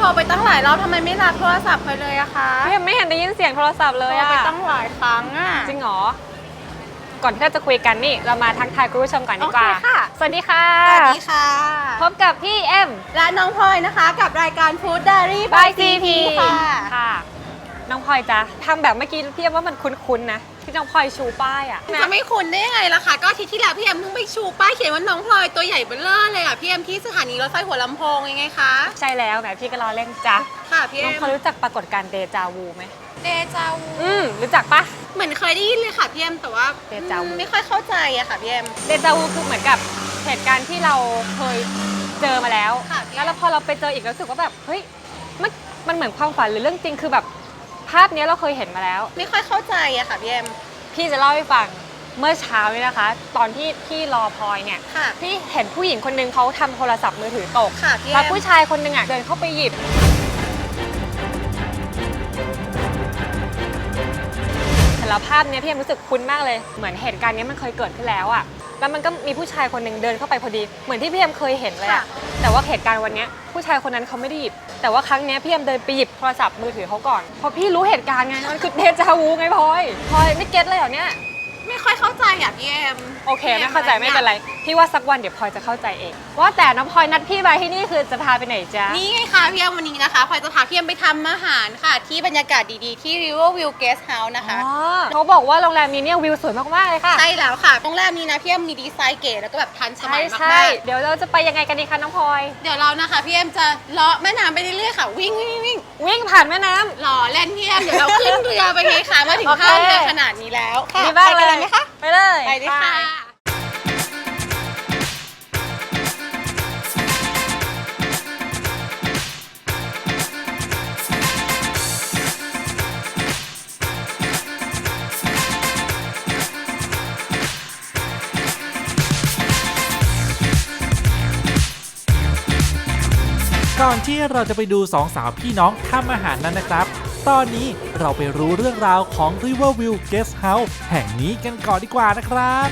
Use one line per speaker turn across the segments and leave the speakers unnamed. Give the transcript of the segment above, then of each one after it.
โทรไปตั้งหลายรอบทำไมไม่รับโทรศัพท์ไปเลยอะคะ
พี่เอ็มไม่เห็นได้ยินเสียงโทรศัพท์เลยอะ
โทรไปตั้งหลายครั้งอะ
จริงเหรอก่อนที่เราจะคุยกันนี่เรามาทักทายคุณผู้ชมก่อนดีกว่าสวัสดีค่ะ
สวัสดีค่ะ
พบกับพี่เอ็ม
และน้องพลอยนะคะกับรายการ Food Diary by CP
ค่ะน้องพลอยจ๊ะทำแบบเมื่อกี้พี่เอ็มว่ามันคุ้นๆนะที่น้องพลอยชูป้ายอะ
จะไม่คุ้นได้ยังไงล่ะคะก็อาทิตย์ที่แล้วพี่เอ็มเพิ่งไปชูป้ายเขียนว่าน้องพลอยตัวใหญ่เบ้อเร่อเลยอะพี่เอ็มที่สถานีรถไฟหัวลำโพงยังไงคะ
ใช่แล้วแหมพี่ก็รอเล่นจ้ะ
ค่ะพี่เอ็ม
น้องพลอยรู้จักปรากฏการณ์เดจาวูไหม
เดจาวู
รู้จักปะ
เหมือนเคยได้ยินเลยค่ะพี่เอ็มแต่ว่า
เดจาวู
ไม่ค่อยเข้าใจอะค่ะพี่เอ็ม
เดจาวูคือเหมือนกับเหตุการณ์ที่เราเคยเจอมาแล้วแล้วพอเราไปเจออีกรู้สึกว่าแบบเฮ้ยมันเหมือนความฝันหรือเรื่องจริงคือแบบภาพนี้เราเคยเห็นมาแล้ว
ไม่ค่อยเข้าใจอะค่ะพี่เอ็ม
พี่จะเล่าให้ฟังเมื่อเช้านี้นะคะตอนที่พี่รอพลอยเนี่ยพี่เห็นผู้หญิงคนนึงเขาทำโทรศัพท์มือถือตกแล้วผู้ชายคนนึงอ่ะเดินเข้าไปหยิบแต่ละภาพนี้พี่เอ็มรู้สึกคุ้นมากเลยเหมือนเหตุการณ์นี้มันเคยเกิดขึ้นแล้วอ่ะแล้วมันก็มีผู้ชายคนหนึ่งเดินเข้าไปพอดีเหมือนที่พี่เอ็มเคยเห็นเลยอะแต่ว่าเหตุการณ์วันนี้ผู้ชายคนนั้นเขาไม่ได้หยิบแต่ว่าครั้งนี้พี่เอ็มเดินไปหยิบโทรศัพท์มือถือเขาก่อนพอพี่รู้เหตุการณ์ไงมันคือเดจาวูไงพลอยไม่เก็ตเลยเหรอเนี่ย
ไม่ค่อยเข้าใจอ่ะพี่เอ็ม
โอเคไม่เข้าใจไม่เป็นไรพี่ว่าสักวันเดี๋ยวพลอยจะเข้าใจเองว่าแต่น้องพลอยนัดพี่ไปที่นี่คือจะพาไปไหนจ๊ะ
นี่ไงคะพี่เอ็มวันนี้นะคะพลอยจะพาพี่เอ็มไปทำอาหารค่ะที่บรรยากาศดีๆที่ Riverview Guest House นะคะ
เขาบอกว่าโรงแรมนี้เนี่ยวิวสวยมากๆเลยค่ะ
ใช่แล้วค่ะโรงแรมนี้นะพี่เอ็มมีดีไซน์เก๋แล้วก็แบบทันสมัยมาก
ๆเดี๋ยวเราจะไปยังไงกันดีคะน้องพลอย
เดี๋ยวเรานะคะพี่เอ็มจะเลาะแม่น้ำไปเรื่อยๆค่ะ
วิ่งผ่านแม่น้ำ
หล่อเล่นพี่เอ็มเดี๋ยวเราขึ้นเรือไปเลยค่ะมาถึงท่าเรือขนาดนี้แล้ว
ค่ะไปกันเลยไหมคะไปเลย
ไปดิค่ะ
ก่อนที่เราจะไปดูสองสาวพี่น้องทำอาหารนั้นนะครับตอนนี้เราไปรู้เรื่องราวของ Riverview Guest House แห่งนี้กันก่อนดีกว่านะครับ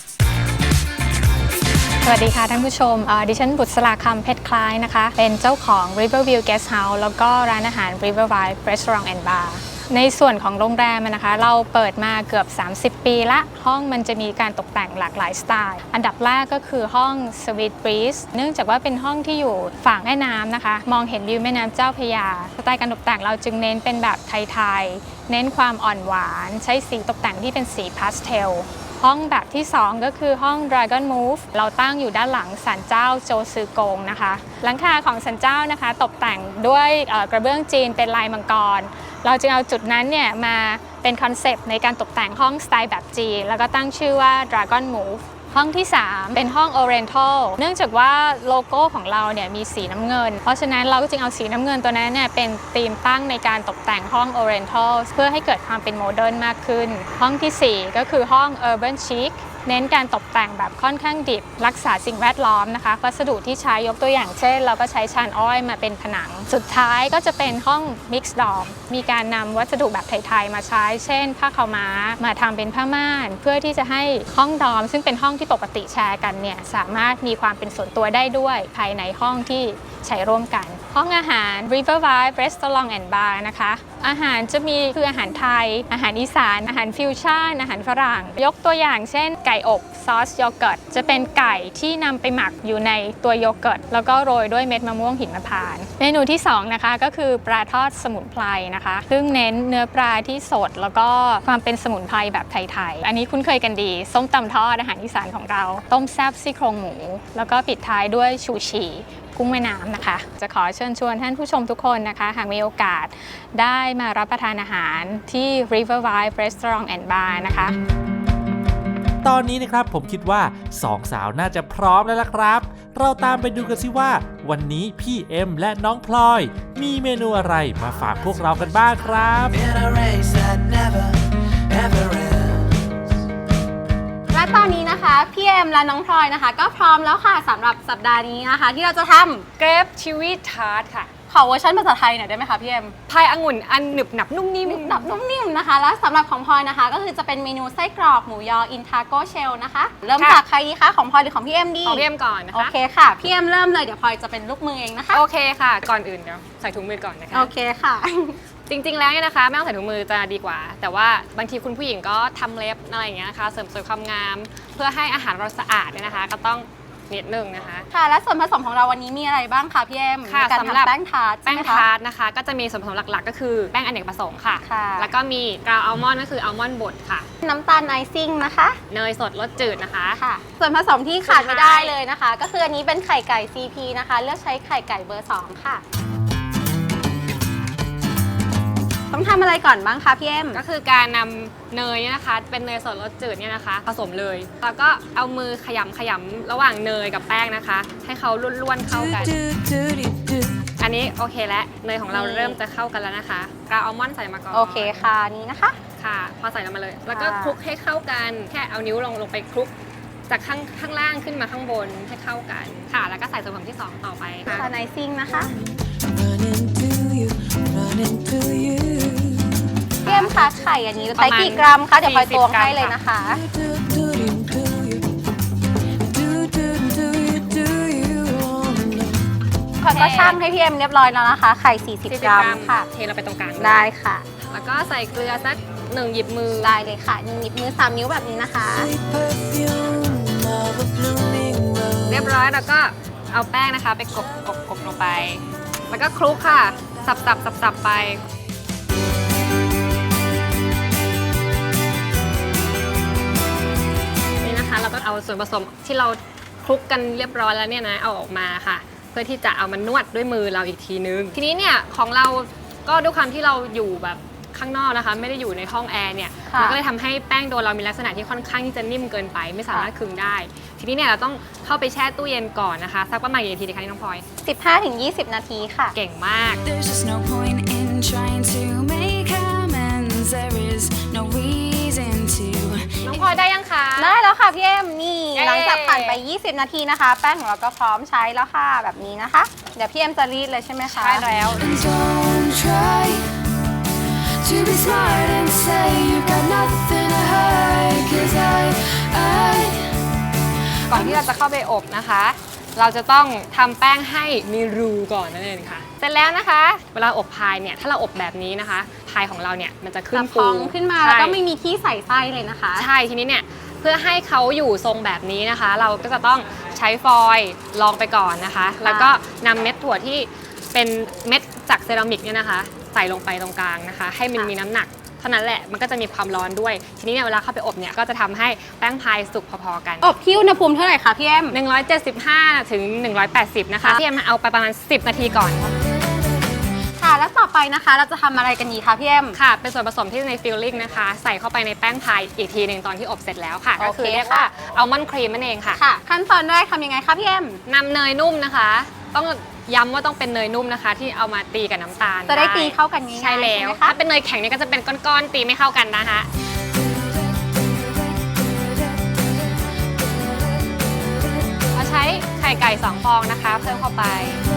สวัสดีค่ะท่านผู้ชมดิฉันบุษราคำเพชรคล้ายนะคะเป็นเจ้าของ Riverview Guest House แล้วก็ร้านอาหาร Riverview Restaurant and Bar ในส่วนของโรงแรมนะคะเราเปิดมาเกือบ30 ปีละห้องมันจะมีการตกแต่งหลากหลายสไตล์อันดับแรกก็คือห้อง Sweet Breeze เนื่องจากว่าเป็นห้องที่อยู่ฝั่งแม่น้ำนะคะมองเห็นวิวแม่น้ำเจ้าพระยาสไตล์การตกแต่งเราจึงเน้นเป็นแบบไทยๆเน้นความอ่อนหวานใช้สีตกแต่งที่เป็นสีพาสเทลห้องแบบที่2ก็คือห้อง Dragon Move เราตั้งอยู่ด้านหลังศาลเจ้าโจซือกงนะคะหลังคาของศาลเจ้านะคะตกแต่งด้วยกระเบื้องจีนเป็นลายมังกรเราจึงเอาจุดนั้นเนี่ยมาเป็นคอนเซปต์ในการตกแต่งห้องสไตล์แบบจีนแล้วก็ตั้งชื่อว่า Dragon Move ห้องที่3เป็นห้อง Oriental เนื่องจากว่าโลโก้ของเราเนี่ยมีสีน้ำเงินเพราะฉะนั้นเราก็จึงเอาสีน้ำเงินตัวนั้นเนี่ยเป็นธีมตั้งในการตกแต่งห้อง Oriental เพื่อให้เกิดความเป็นโมเดิร์นมากขึ้นห้องที่4ก็คือห้อง Urban Chic เน้นการตกแต่งแบบค่อนข้างดิบรักษาสิ่งแวดล้อมนะคะวัสดุที่ใช้ยกตัวอย่างเช่นเราก็ใช้ชานอ้อยมาเป็นผนังสุดท้ายก็จะเป็นห้อง Mixed Dorm มีการนำวัสดุแบบไทยๆมาใช้เช่นผ้าขาวม้ามาทำเป็นผ้าม่านเพื่อที่จะให้ห้องดอมซึ่งเป็นห้องที่ปกติแชร์กันเนี่ยสามารถมีความเป็นส่วนตัวได้ด้วยภายในห้องที่ใช้ร่วมกันห้องอาหาร Riverview Restaurant and Bar นะคะอาหารจะมีคืออาหารไทยอาหารอีสานอาหารฟิวชั่นอาหารฝรั่งยกตัวอย่างเช่นไก่อบซอสโยเกิร์ตจะเป็นไก่ที่นำไปหมักอยู่ในตัวโยเกิร์ตแล้วก็โรยด้วยเม็ดมะม่วงหิมพานต์เมนูที่2นะคะก็คือปลาทอดสมุนไพรนะคะซึ่งเน้นเนื้อปลาที่สดแล้วก็ความเป็นสมุนไพรแบบไทยๆอันนี้คุ้นเคยกันดีส้มตำทอดอาหารอีสานของเราต้มแซ่บซี่โครงหมูแล้วก็ปิดท้ายด้วยชูชีกุ้งแม่น้ำนะคะจะขอเชิญชวนท่านผู้ชมทุกคนนะคะหากมีโอกาสได้มารับประทานอาหารที่ Riverview Restaurant and Bar นะคะ
ตอนนี้นะครับผมคิดว่าสองสาวน่าจะพร้อมแล้วล่ะครับเราตามไปดูกันสิว่าวันนี้พี่เอ็มและน้องพลอยมีเมนูอะไรมาฝากพวกเรากันบ้างครับ
และตอนนี้นะคะพี่เอ็มและน้องพลอยนะคะก็พร้อมแล้วค่ะสำหรับสัปดาห์นี้นะคะที่เราจะทำ
เกรปชิวีทาร์ตค่ะ
ขอเวอร์ชันภาษาไทยหน่อยได้ไหมคะพี่เอ็ม
พายองุ่นอันหนึบหนับนุ่มนิ่ม
หนับนุ่มนิ่มนะคะ แล้วสำหรับของพลอยนะคะ ก็คือจะเป็นเมนูไส้กรอกหมูยออินทาโกเชลนะคะ เริ่มจากใครดีคะของพลอยหรือของพี่เอ็มดี
ของพี่เอ็มก่อนนะ
โอ
คะ
เคค่ะพี่เอ็มเริ่มเลยเดี๋ยวพลอยจะเป็นลูกมือเองนะคะ
โอเคค่ะ ก่อนอื่นเดี๋ยวใส่ถุงมือก่อนนะคะ
โอเคค่ะ
จริงๆ แล้วเนี่ยนะคะไม่ต้องใส่ถุงมือจะดีกว่า แต่ว่าบางทีคุณผู้หญิงก็ทำเล็บอะไรอย่างเงี้ยนะคะเสริมสวยความงาม เพื่อให้อาหารเราสะอาดเนี่ยนะคะ ก็ต้องนิดนึงนะคะ
ค่ะและส่วนผสมของเราวันนี้มีอะไรบ้างคะพี่เอ็ม
ค่ะ
ในการ
สำหรับ
ทำแป้งทาร์ต
แป้ง
ใช่ไหมคะ
ทาร์ตนะคะ ก็จะมีส่วนผสมหลักๆ ก็คือแป้งอเนกประสงค์ค่ะ
ค่ะ
แล้วก็มีกราวอัลมอนด์ก็คืออัลมอนด์บดค่ะ
น้ำตาลไอซิ่งนะคะ
เนยสดรสจืดนะคะ
ค่ะ ส่วนผสมที่ขาดไม่ได้เลยนะคะ ก็คืออันนี้เป็นไข่ไก่ CP นะคะ เลือกใช้ไข่ไก่เบอร์ 2 ค่ะ ต้องทำอะไรก่อนบ้างคะพี่เอ็ม
ก็คือการนำเนยเนี่ยนะคะ เป็นเนยสดรสจืดเนี่ยนะคะ ผสมเลย แล้วก็เอามือขยำระหว่างเนยกับแป้งนะคะ ให้เขาล้วนๆเข้ากัน อันนี้โอเคแล้วเนยของเราเริ่มจะเข้ากันแล้วนะคะกราวอัลมอนด์ใส่มาก่อน
โอเคค่ะนี่นะคะ
ค่ะพอใส่ลงมาเลย แล้วก็
ค่ะ
คลุกให้เข้ากันแค่เอานิ้วลงไปคลุกจากข้างล่างขึ้นมาข้างบนให้เข้ากันค่ะ แล้วก็ใส่ส่วนผสมที่ 2 ต่อไปค่ะ
น้ำตาลไอซิ่งนะคะ
Running to you, running to you.
พี่เอ็มคะไข่อันนี้ใช้กี่กรัมคะเดี๋ยวพลอยตวงให้เลยนะคะ
Do do do you, do do do you, do you wanna?
พลอยก็ช่างให้พี่เอ็มเรียบร้อยแล้วนะคะ ไข่ 40 กรัมค่ะ
เทเราไปตรงกลาง
ได้ค่ะ
แล้วก็ใส่เกลือสัก1 หยิบมือ
ได้เลยค่ะ1 หยิบมือ 3 นิ้วแบบนี้นะคะ
Sweet perfume of a blooming
เรียบ
rose.
ร้อยแล้วก็เอาแป้งนะคะไปกบลงไป แล้วก็คลุกค่ะสับไปนี่นะคะเราก็เอาส่วนผสมที่เราคลุกกันเรียบร้อยแล้วเนี่ยนะเอาออกมาค่ะ เพื่อที่จะเอามานวดด้วยมือเราอีกทีนึงทีนี้เนี่ยของเราก็ด้วยความที่เราอยู่แบบข้างนอกนะคะ ไม่ได้อยู่ในห้องแอร์เนี่ย
ค่ะ
มันก็เลยทำให้แป้งโดเรามีลักษณะที่ค่อนข้างที่จะนิ่มเกินไป ไม่สามารถคึงได้ ทีนี้เนี่ยเราต้องเข้าไปแช่ตู้เย็นก่อนนะคะสักประมาณกี่นาทีดีคะนี่น้องพลอย
15-20 นาทีค่ะ
เก่งมาก
There's just no point in trying to make amends. There is no reason to.
น้องพลอยได้ยังคะ
ได้แล้วค่ะพี่เอ็มนี่
เย้
หลังจากผ่านไป 20 นาทีนะคะ แป้งของเราก็พร้อมใช้แล้วค่ะแบบนี้นะคะ เดี๋ยวพี่เอ็มจะรีดเลยใช่ไหมคะ
ใช่แล้ว
And don't try to be smart and say you've got nothing to hide. 'Cause I
ก่อนที่เราจะเข้าไปอบนะคะ เราจะต้องทำแป้งให้มีรูก่อนนั่นเองค่ะ เสร็จแล้วนะคะ เวลาอบพายเนี่ย ถ้าเราอบแบบนี้นะคะ พายของเราเนี่ยมันจะขึ้น
จะพ
ปู
องขึ้นมาแล้วก็
ใช่
ไม่มีที่ใส่ไส้เลยนะคะ
ใช่ ทีนี้เนี่ยเพื่อให้เขาอยู่ทรงแบบนี้นะคะ เราก็จะต้องใช้ฟอยล์รองไปก่อนนะคะ แล้วก็นำเม็ดถั่วที่เป็นเม็ดจากเซรามิกเนี่ยนะคะ ใส่ลงไปตรงกลางนะคะ ให้มันมีน้ำหนักเท่านั้นแหละ มันก็จะมีความร้อนด้วย ทีนี้เนี่ยเวลาเข้าไปอบเนี่ยก็จะทำให้แป้งพายสุกพอๆกัน
อบที่อุณหภูมิเท่าไหร่คะพี่เอ็ม
175 ถึง 180 นะคะ
ค่ะ
พี่เอ็มเอาไปประมาณ 10 นาทีก่อน
ค่ะ แล้วต่อไปนะคะ เราจะทำอะไรกันดีคะพี่เอ็ม
ค่ะ เป็นส่วนผสมที่ในฟิลลิ่งนะคะ ใส่เข้าไปในแป้งพายอีกทีหนึ่งตอนที่อบเสร็จแล้วค่ะ
โอเค
ก็คือเรียกว่าอัลมอนด์ครีมนั่นเองค่ะ
ค่ะ ขั้นตอนแรกทำยังไงคะพี่เอ็ม
นำเนยนุ่มนะคะ ต้องย้ำว่าต้องเป็นเนยนุ่มนะคะ ที่เอามาตีกับน้ำตาล
จะได้ตีเข้ากันง่ายๆ
ใช่แล้ว
ใช่ไหมคะ
ถ้าเป็นเนยแข็งเนี่ยก็จะเป็นก้อนๆตีไม่เข้ากันนะคะ เราใช้ไข่ไก่2 ฟองนะคะเพิ่มเข้าไป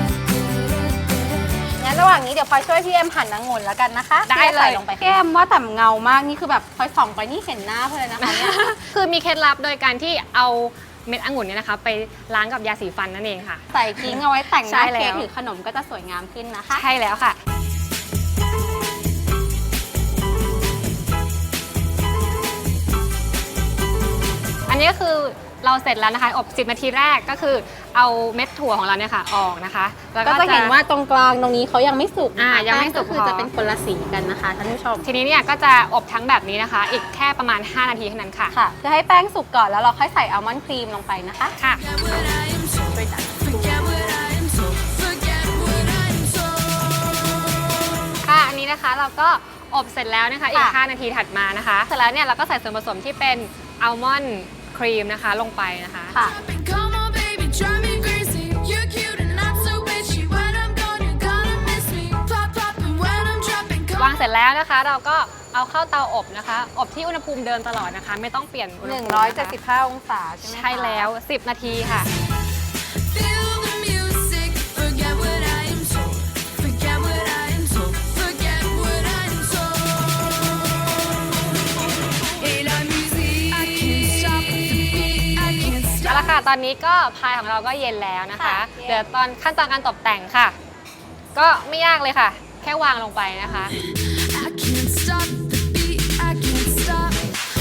งั้นระหว่างนี้เดี๋ยวพลอยช่วยพี่เอ็มหั่นองุ่นแล้วกันนะคะ
ได้เลย
ใส่ลงไปพี่เอ็มว่าแต่เงามากนี่คือแบบพลอยส่องไปนี่เห็นหน้าเพลยนะคะเนี่ย
คือมีเคล็ดลับโดยการที่เอาเม็ดองุ่นเนี่ยนะคะ ไปล้างกับยาสีฟันนั่นเองค่ะ
ใส่กิ้งเอาไว้แต่งห
ใช่
น้า
แล้ว
เค้กหรือขนมก็จะสวยงามขึ้นนะคะ
ใช่แล้วค่ะ อันนี้ก็คือเราเสร็จแล้วนะคะ อบ 10 นาทีแรกก็คือเอาเม็ดถั่วของเราเนี่ยค่ะออกนะคะ แล้ว
ก็จะเห็นว่าตรงกลางตรงนี้เขายังไม่สุกนะคะ
ยังไม่สุก
แป้ก็คือ
พอ
จะเป็นคนละสีกันนะคะท่านผู้ชม
ทีนี้เนี่ยก็จะอบทั้งแบบนี้นะคะ อีกแค่ประมาณ 5 นาทีเท่านั้นค่ะ
ค่ะจะให้แป้งสุกก่อนแล้วเราค่อยใส่อัลมอนด์ครีมลงไปนะคะ
ค่ะ
forget what I am told. Forget what I am told.
ค่ะ อันนี้นะคะเราก็อบเสร็จแล้วนะคะอีก
ค่ะ
5 นาทีถัดมานะคะ เสร็จแล้วเนี่ยเราก็ใส่ส่วนผสมที่เป็นอัลมอนด์ครีมนะคะลงไปนะคะ
ค่ะ
Come on, baby, drive me crazy. You're cute and not so bitchy. When I'm gone, you're gonna miss me. Pop, pop, and when I'm dropping,
วางเสร็จแล้วนะคะ เราก็เอาเข้าเตาอบนะคะ อบที่อุณหภูมิเดิมตลอดนะคะ ไม่ต้องเปลี่ยนอุณหภูมินะคะ
175 องศาใช่ไหมคะ
ใช่แล้ว 10 นาทีค่ะ
feel the music. Forget what I am told.
ตอนนี้ก็พายของเราก็เย็นแล้วนะคะ
ค่ะ
เดี๋ยวตอนขั้นตอนการตกแต่งค่ะ ก็ไม่ยากเลยค่ะ แค่วางลงไปนะคะ
I can't stop the beat, I can't stop.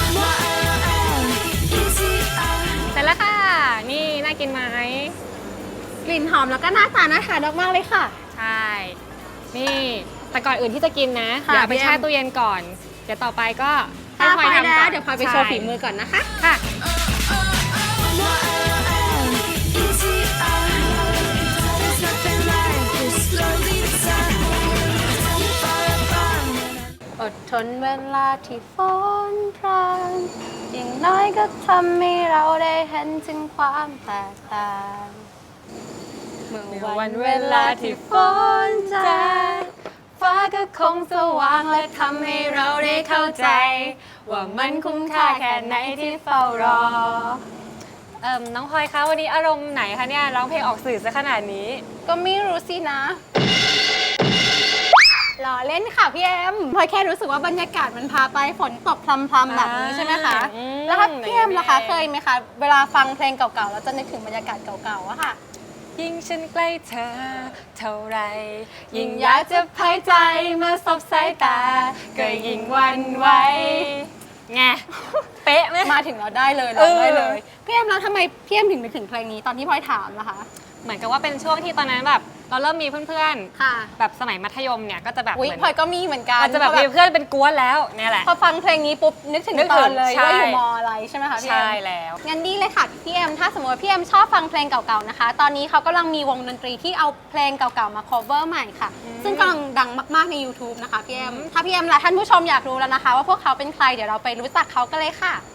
Easy,
เสร็จแล้วค่ะ นี่น่ากินไหม
กลิ่นหอมแล้วก็หน้าตาน่าทานมากๆเลยค่ะ
ใช่ นี่ แต่ก่อนอื่นที่จะกินนะ
ค่ะ
เดี๋ยวเอาไป
พี่แอม
แช่ตู้เย็นก่อน เดี๋ยวต่อไปก็ให้
ถ้า
พล
พ
อ
อย ย
ทำก่
แล้
อ
วน เดี๋ยวพลอยไปโชว์ฝีมือก่อนนะคะ
ค่ะ
easy. There's nothing like this slowly descending. Fire burn.
อดทนเวลาที่ฝนพรางอย่างน้อยก็ทำให้เราได้เห็นถึงความแตกต่างเมื่อวันเวลาที่ฝนจางฟ้าก็คงสว่างและทำให้เราได้เข้าใจ ว่ามันคุ้มค่าแค่ไหนที่เฝ้ารอ
น้องพลอยคะวันนี้อารมณ์ไหนคะเนี่ยร้องเพลงออกสื่อซะขนาดนี้
ก็ไม่รู้สินะรอเล่นค่ะพี่เอ็มพลอยแค่รู้สึกว่าบรรยากาศมันพาไปฝนตกพรำๆแบบนี้ใช่ไหมคะ
อืม
แล้วถ้าพี่เอ็มล่ะคะ
อย่างนี้
เคยไหมคะ เวลาฟังเพลงเก่าๆแล้วจะนึกถึงบรรยากาศเก่าๆอะค่ะ
ยิ่งฉันใกล้เธอเท่าไร ยิ่งอยากจะพายใจมาสบสายตา ก็ยิ่งหวันไหวไง เป๊ะไหม
มาถึงเราได้เลย
เอ
เรา
อ
ได้เลยพี่เอ็มแล้วทำไมพี่เอ็มถึงนึกถึงเพลงนี้ตอนที่พลอยถามล่ะคะ
เหมือนกับว่าเป็นช่วงที่ตอนนั้นแบบเราเริ่มมีเพื่อน
ค่ะ
ๆ แบบสมัยมัธยมเนี่ยก็จะแบบ
อุ้ย
เหมือน
พลอยก็มีเหมือนกัน
อาจจะแบบมีเพื่อนเป็นกวนแล้วเนี่ยแหละ
พอฟังเพลงนี้ปุ๊บนึกถึง
นึก
ต
ถึ
อง นเลย
ใช่
ว่าอยู่มอะไรใช่ไหมคะพี่เอ็ม
ใช่แล้ว
งั้นดีเลยค่ะพี่เอ็มถ้าสมมติว่าพี่เอ็มชอบฟังเพลงเก่าๆนะคะ ตอนนี้เขากำลังมีวงดนตรีที่เอาเพลงเก่าๆมา cover ใหม่ค่ะ ซึ่งกำลังดังมากๆใน YouTube นะคะพี่เอ็มถ้าพี่เอ็มและท่านผู้ชมอยากรู้แล้วนะคะ ว่าพวกเขาเป็นใครเดี๋ยวเราไปรู้จักเขากันเลยค่ะ